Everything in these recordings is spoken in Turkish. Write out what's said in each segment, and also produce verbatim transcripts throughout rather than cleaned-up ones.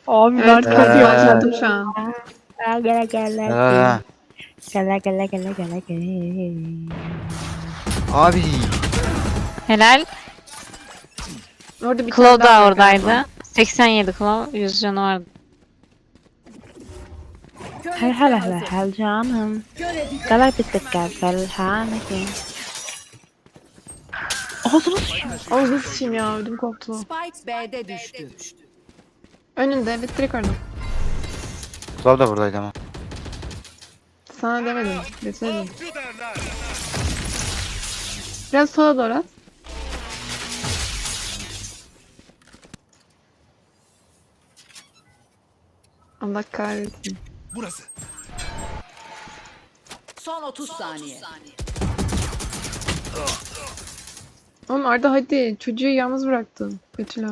Abi ben Evet, çok kapıyı Ee. açtım şu an. Gel gel gel Ha. gel gel gel gel gel. Abi. Helal. Orada bir Claw tane daha da var oradaydı. galiba. seksen yedi Claw. yüz canı vardı. Hel hel hel hel canım. Gel bittik gel gel hanekim. Ağzını sıçıyor. Ağzını sıçayım ya, ödüm koptu. Spike B'de düştü. Önünde, evet, direkt orada. Slav da buradaydı ama. Sana demedim, deseydin. Biraz sola doğru at. Allah kahretsin. Burası. Son otuz saniye. Oğlum Arda hadi, çocuğu yalnız bıraktın. Betüla.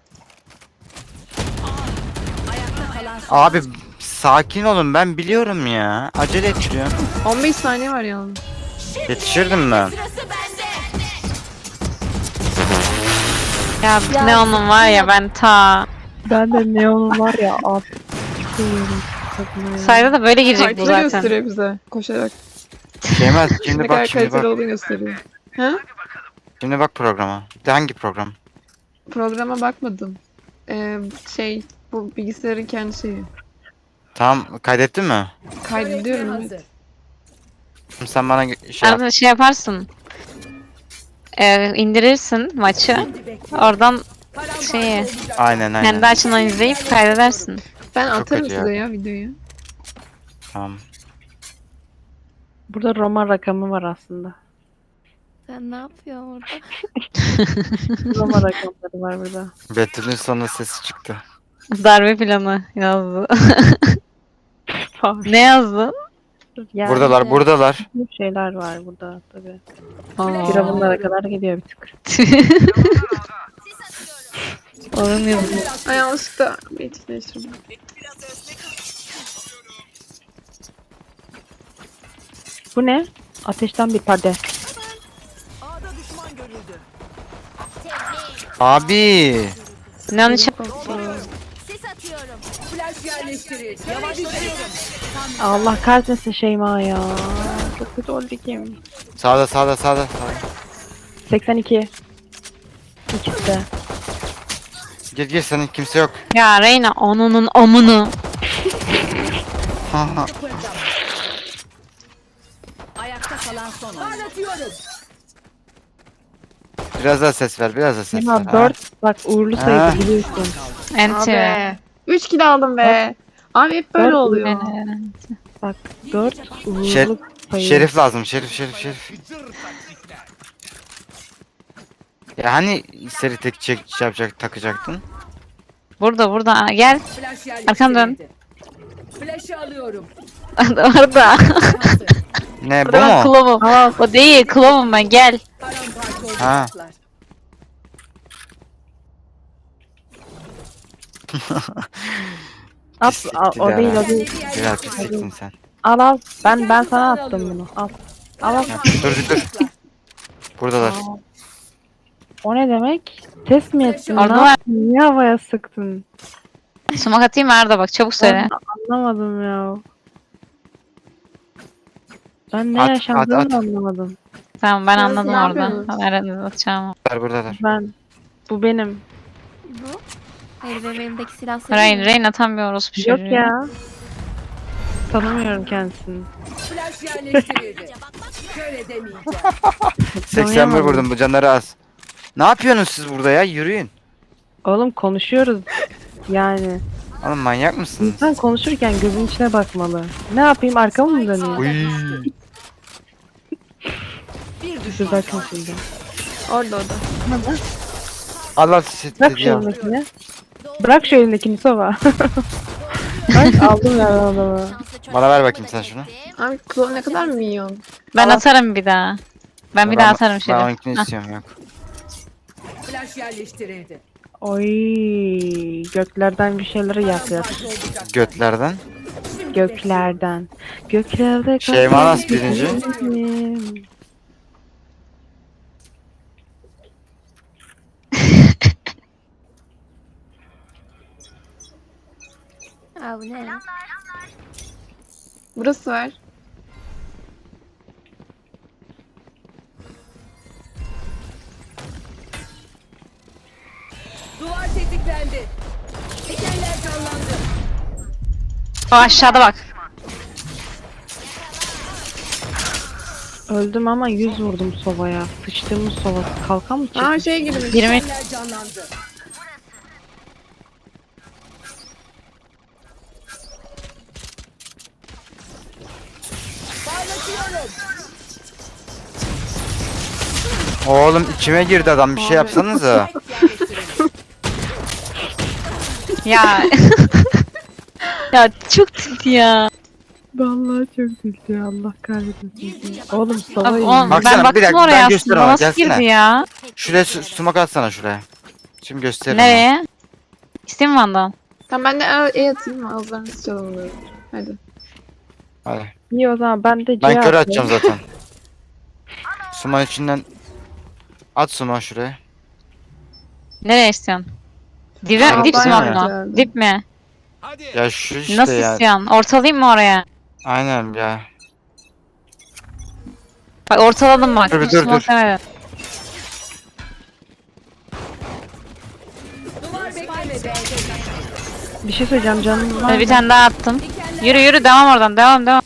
Ayakta kalan son. Abi sakin olun, ben biliyorum ya. Acele ettiriyorum. on beş saniye var yalnız. Yetişirdim ben. Ya, Neon'un var ya ben ta. Ben de neon var ya at. Koyuyorum kadına ya. Sayda da böyle girecek bu Haritaları zaten. gösteriyor bize koşarak. Şeymez, Ne şimdi kadar bak şimdi kaliteli bak. olduğunu gösteriyor. Ha? Şimdi bak programa. De hangi program? Programa bakmadım. Ee, şey, bu bilgisayarın kendi şeyi. Tamam, kaydettin mi? Kaydediyorum, evet. Hazır. Şimdi sen bana gö- şey yap. Arada şey yaparsın. Ee, indirirsin maçı. Oradan şeyi Aynen aynen. kendi açından izleyip kaydedersin. Ben Çok atarım kötü size ya. ya videoyu. Tamam. Burada Roma rakamı var aslında. Sen ne yapıyorsun orada? Roma rakamları var burada. Betül'ün sonunda sesi çıktı. Darbe planı yazdı. ne yazdın? Yani Buradalar, buradalar. bu şeyler var burada tabii. Aa. Firavunlara kadar gidiyor bir tık. Onun yazdı. Ay yanlışlıkla bir etkileştirdim. Bu ne? Ateşten bir perde. Abi. Neon için Flash yerleştirildi. Yavaşlatıyorum. Allah kahretmesin Şeyma ya. Çok kötü oldu kim? Sağda sağda sağda. sağda. seksen iki. İkisi de. Gir gir, senin kimse yok. ya Reyna onunun amını. Ayakta kalan son. Parlatıyorum. Biraz daha ses ver, biraz daha ses ver. Şeyma ha. dört. Bak uğurlu Ha. sayısı biliyorsun. Enti. Abi. üç kilo aldım be. Abi hep böyle Dört oluyor. Bak dört uğurlu Şer- sayı. Şerif lazım, şerif şerif şerif. Ya hani seri tek çek şey yapacak, takacaktın? Burada burada Aa, gel. Flash Arkam dön. yerleştirildi. Flash'ı alıyorum. Orada. Hazır. Ne bu Orada ben mu? Clove'um. O değil Clove'um ben gel. Paramparça Ha. olacaklar. At, Pislik al, o Dilara. değil o değil. Dilara, pisliksin sen. Al al. Ben ben sana attım bunu. Al. Al al. Ha, dur dur dur. Buradalar. O ne demek? Test mi ettin? Orada Ne var. yaptın? Niye havaya sıktın? Sumak atayım mı Arda bak çabuk söyle. Ben anlamadım ya. Ben ne At, yaşandığını at, at. anlamadım. Tamam ben Siz anladım ne orada. yapıyorsunuz? Nereden atacağımı. Buradalar, buradalar. Ben bu benim. Bu? Hayır benim elimdeki silah senin Rain, mi? Rain atamıyoruz bir şey. Yok ya. Tanımıyorum kendisini. Flash yerleştirildi. Şöyle demeyeceğim. seksen bir Tanıyamadım. vurdum, bu canları az. Ne yapıyorsunuz siz burada ya? Yürüyün. Oğlum konuşuyoruz. Yani Oğlum manyak mısınız? insan konuşurken gözün içine bakmalı. Ne yapayım arkamı mı döneyim? Uy. Bir Bir düşman bakın kaldı. şimdi. Orada orada. Allah sizi Bırak şu ya. elindekini. Bırak şu elindekini Sova. Bak aldım ya adamı. Bana ver bakayım sen şunu. Abi Chloe ne kadar minyon. Ben atarım bir daha. Ben bir daha atarım Ben şöyle. onunkini istiyorum, yok. Flash yerleştirildi. Oy göklerden bir şeyleri yapıyor. Paramparça olacaklar. Götlerden. Göklerden. Göklerde Şeyma nasıl birinci? kalbim. Aa bu ne? Burası var. Duvar tetiklendi. Dikenler canlandı. O aşağıda bak. Öldüm ama yüz vurdum sovaya. Sıçtığımız sovası. Kalkan mı çıktı? Aa şey girmiş. yirmi. Dikenler canlandı. Parlatıyorum. Oğlum içime girdi adam, bir şey yapsanıza. Yerleştirildi. Ya. Ya çok tilt ya. Vallahi çok üzüldü, Allah kahretsin. Oğlum Abi, sovayı. o, Baksana, ben bir baktım dakika, ben oraya gösteririm aslında. ama, Nasıl gelsene. girdi ya? Şuraya su- smoke atsana şuraya. Şimdi gösteririm. Nereye? İsteyim mi Van'dan? Tamam ben de e, e atayım mı? Ağızlarını sıçalım bunları. Hadi. Hadi. İyi o zaman ben de Ben C kör atayım. atacağım zaten. Suman içinden at suman şuraya. Nereye istiyorsun? Dibe, Aa, dip bayağı mi güzeldi. onu? Dip mi? Ya şu işte Nasıl ya. istiyorsun? Ortalayayım mı oraya? Aynen ya. Bak ortaladım bak. Dur, Hiç dur, smoke dur. demedim. Duvar beklemedi. Bir şey söyleyeceğim, canım var Hadi mı? bir tane daha attım. Yürü yürü devam oradan. Devam devam.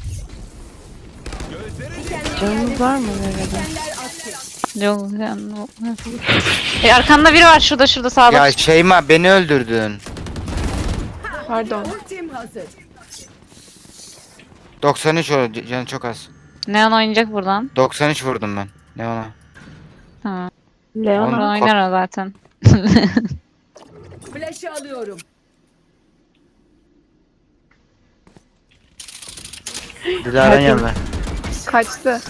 Canınız var mı nerede? Dikenler attı. Yok, yani- E, arkanda biri var şurada şurada sağda. Ya Şeyma, beni öldürdün. Pardon. Ultim hazır. doksan üç o canı çok az. Neon oynayacak buradan. doksan üç vurdum ben. Ne ona? Tamam. Leona. Oğlum, Buradan oynar o zaten. Flash'ı alıyorum. Dilara'nın Herkes- yanına. Kaçtı.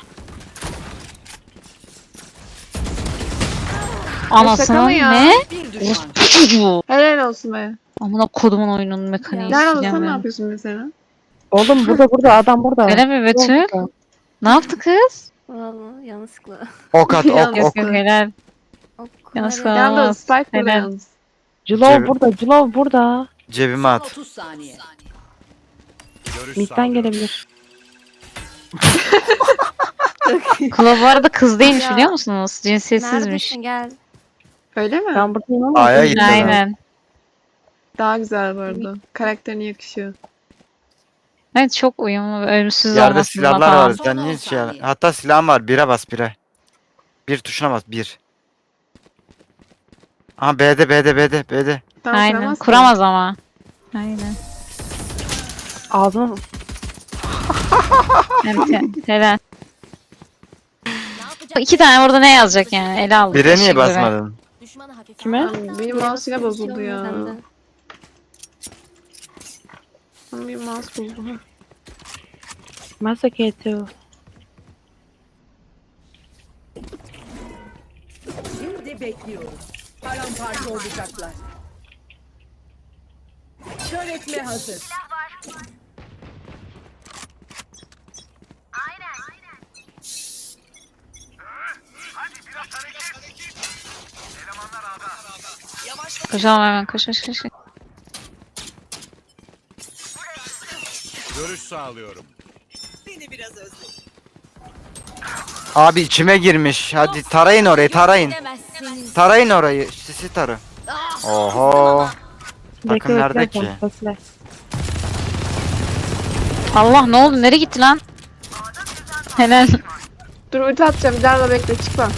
Şaka Anasının mı ya? ne? Bir düşman. Çocuğu. Helal olsun be. Amına kodumun oyunun mekaniği. Nerede sikeceğim olsan ne ben. yapıyorsun mesela? Oğlum burada burada adam burada. Öyle mi Betül? Burada. Ne yaptı kız? Vallahi yanlışlıkla. Ok at, ok, Yalnız- ok. Yok yok helal. O Yanlış kumara- var. Yalnız Olmaz. Spike burada Helal. yalnız. Clov Cebi- burada, Clov burada. Cebime at. otuz saniye. Mid'den gelebilir. Kula bu arada kız değilmiş Ya. biliyor musunuz? Cinsiyetsizmiş. Neredesin gel. Öyle mi? Ben buradayım ama. A'ya gitti. Aynen. Daha güzel bu arada. Karakterine yakışıyor. Evet çok uyumlu ve ölümsüz Yerde olmasından silahlar falan. var. Sen niye şey al- Hatta silahım var. Bire bas bire. Bir tuşuna bas. Bir. Aha B'de B'de B'de B'de. Tamam, Aynen. kuramazsın. Kuramaz ama. Aynen. Ağzına Evet, helal. İki tane orada ne yazacak yani? Ele aldı. Bire eşek niye gibi. basmadın? kime? Lan benim mouse yine bozuldu ya. Sende. Lan benim mouse bozuldu. Masaketu. Şimdi bekliyoruz. Paramparça olacaklar. Kör etme hazır. Koşalım hemen koş koş koş. Görüş sağlıyorum. Abi içime girmiş. Hadi tarayın orayı, tarayın. Tarayın orayı. Sisi tarı. Oho. Bakın nerede ki? Bekle. Allah ne oldu? Nereye gitti lan? Helal. Dur ulti atacağım. Dilara'la bekle çıkma.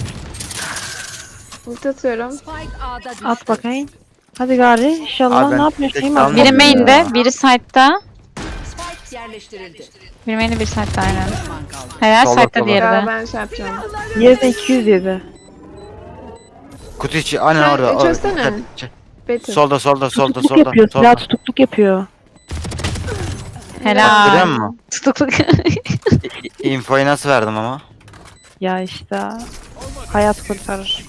Ulti atıyorum. Spike A'da düştü. At bakayım. Hadi gari inşallah Abi ben ne yapıyorsun? tek Şey mi kalmadım Biri atıyorsun? ya. main'de, biri side'da. Spike yerleştirildi. Biri main'de, biri side'da aynen. Düşman kaldı. Helal Sola, side'da sola. diğeri Ya de. ben şey yapacağım. Yedi iki yüz yedi. Kutu içi. Aynen Sen orada. çözsene. orada. Ç- Betül. Solda solda solda Tutukluk solda. yapıyor. Silah Solda. tutukluk yapıyor. Görüyor Helal. musun? Tutukluk. Infoyu nasıl verdim ama? Ya işte. Hayat kurtarır.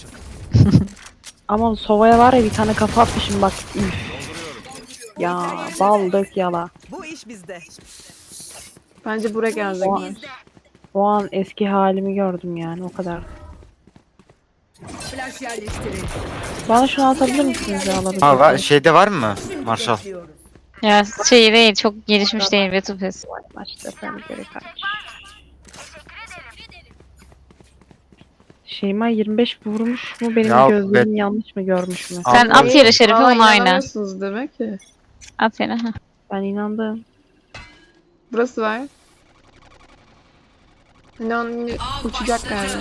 Ama Sova'ya var ya bir tane kafa atmışım bak. Üf. Ya bal dök yala. Bu iş bizde. Bence buraya gelecekler. O an eski halimi gördüm yani o kadar. Flash yerleştirildi. Bana şunu atabilir misiniz ya alabilir Ha var, misiniz? şeyde var mı? Marshall. bekliyoruz. Ya şey değil, çok gelişmiş değil Betupes. Maçta sen geri kaç. Şeyma yirmi beş vurmuş mu? Benim Ya gözlerim yanlış mı görmüş mü? Sen at yere Şerif'i, Aa, onu oyna. inanamıyorsunuz demek ki. At yere. heh. Ben inandım. Burası var. Neon uçacak galiba.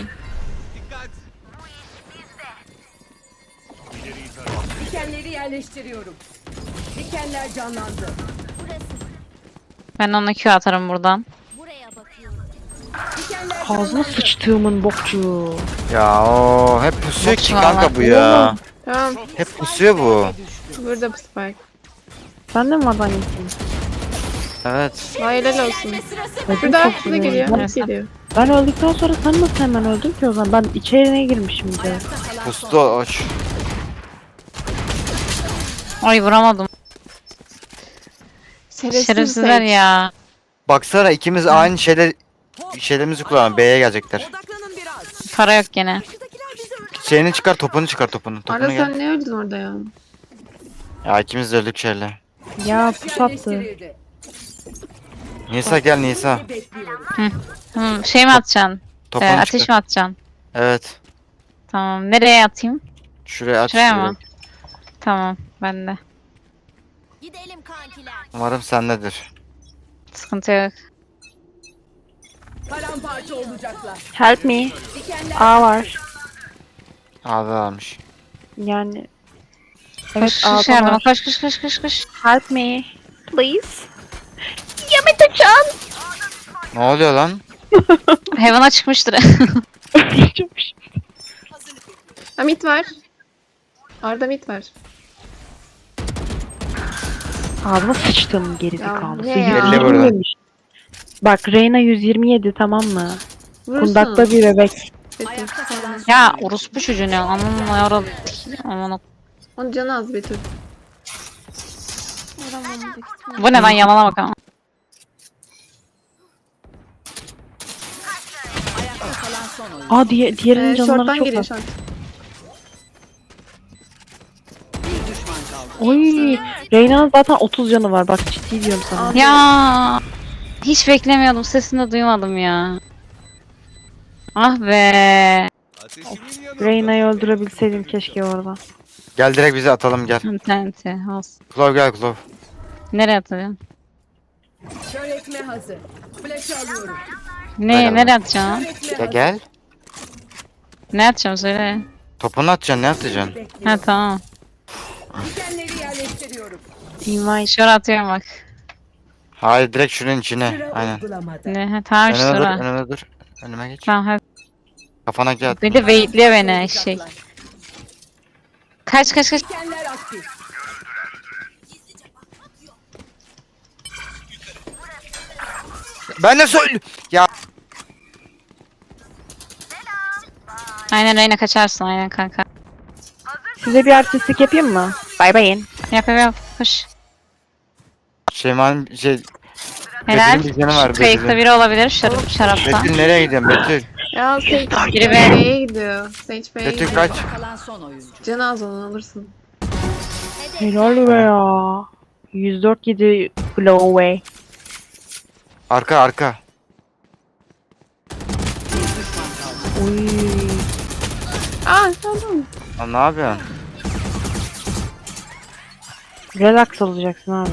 Dikenleri yerleştiriyorum. Dikenler canlandı. Ben ona Q atarım buradan. Dikenler Ağzına canlandı. sıçtığımın bokçu. Ya o hep pusuyor ki Bak kanka valla. bu ya. Tamam. Hep pusuyor bu. Burada bu Spike. Sen de mi oradan gittin? Evet. Vay helal olsun. Ödüm Şurada, çok şurada iyi. geliyor. Ben, Hep geliyor. ben öldükten sonra sen nasıl hemen öldün ki o zaman? Ben içeriye girmişim bir de. Ayakta kalan Pustu son. aç. Ay vuramadım. Şerefsiz Şerefsizler Sage. ya. Baksana ikimiz aynı şeyler şeylerimizi kullanalım. B'ye gelecekler. Odaklanın biraz. Para yok gene. Şeyini çıkar, topunu çıkar, topunu. Topunu Arda gel. sen ne öldün orada ya? Ya ikimiz de öldük şeyle. Ya pus attı. Yerleştirildi. Nisa gel Nisa. Bekliyoruz. Hı, şey mi atacaksın? Topunu Ee, ateş çıkar. mi atacaksın? Evet. Tamam. Nereye atayım? Şuraya at. Şuraya şuraya. mı? Tamam. Ben de. Gidelim kankiler. Umarım sendedir. Sıkıntı yok. Paramparça olacaklar. Help me. Dikenler A var. Abi almış. Yani. Koş Evet koş A'da yardıma. var. Koş koş koş koş koş. Help me. Please. Yamete-chan. Ne oluyor lan? Heaven'a çıkmıştır. Ha mid var. Arda mid var. Ağzına sıçtım Ya, gerizekalı. ne ya? Belli burada. yemiş. Bak Reyna yüz yirmi yedi tamam mı? Vurursun. Kundakta bir bebek. Betül. ayakta kalan son. Ya orospu çocuğu ne? Aman yarabbim. Aman o- Onun canı az Betül. Vuramam büyük ihtimalle. Bu ne lan yalana bak ama. Ayakta kalan son oyun. Aa diye, diğerinin Ee, canları short'tan çok geliyor az. short. Bir düşman kaldı. Oy. Reyna'nın zaten otuz canı var bak ciddi diyorum sana. Ya hiç beklemiyordum. Sesini de duymadım ya. Ah be. Reyna'yı öldürebilseydim keşke orada. Gel direkt bizi atalım gel. İnterneti olsun. Klov gel Klov. Nereye atacağım? Kör etme hazır. Flash'ı alıyorum. Ne, Aynen. nereye atacağım? Kör etme Ya hazır. gel. Ne atacağım söyle. Topunu atacaksın ne atacaksın? Ha Bekliyorum. tamam. Dikenleri yerleştiriyorum. Invite. Şöyle atıyorum bak. Hayır direkt şunun içine. Sıra Aynen. uygulamada. Ne, ha, tamam işte Önüme dur, oraya. önüme dur. Önüme geç. Tamam hadi. Kafana gel. Bir de waitliyor beni eşek. Kaç kaç kaç. Dikenler aktif. Ben de söyle. Ya Aynen Reyna kaçarsın aynen kanka. Size bir artistlik yapayım mı? Bay bayın. Yap yap yap. Koş. Şeyman şey Helal. Betül'ün bir canı var, Şu kayıkta Betül'ün. biri olabilir şarap, şarapta. Betül nereye gidiyorsun Betül? Ya Sage Biri be. B'ye gidiyor. Sage B'ye Betül gidiyor. kaç. Kalan son oyuncu. Canı az onu alırsın. Helal be ya. yüz dört yedi blow away. Arka arka. Uy. Aa tamam. Lan ne yapıyorsun? Relax olacaksın abi.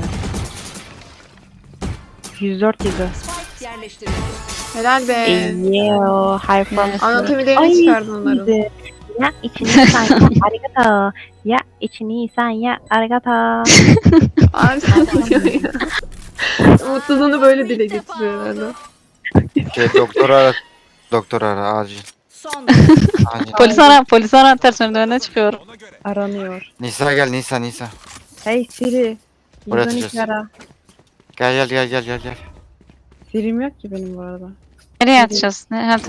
yüz dört yedi. Spike yerleştirildi. Helal be. Yo, high five. Evet. Anatomilerini çıkardın onların. iyiydi. Ya içini sen ya arigato. Ya içini sen ya arigato. Abi sen ne diyorsun ya? Mutluluğunu böyle dile getiriyor herhalde. Şey doktor ara. Doktor ara acil. Son Acil. Polis ara, polis ara ters önüne çıkıyorum. Aranıyor. Nisa gel Nisa Nisa. Hey Siri. Oraya yüz on iki atacağız. ara. Gel gel gel gel gel gel. Siri'm yok ki benim bu arada. Nereye atacağız? Ne? Ha,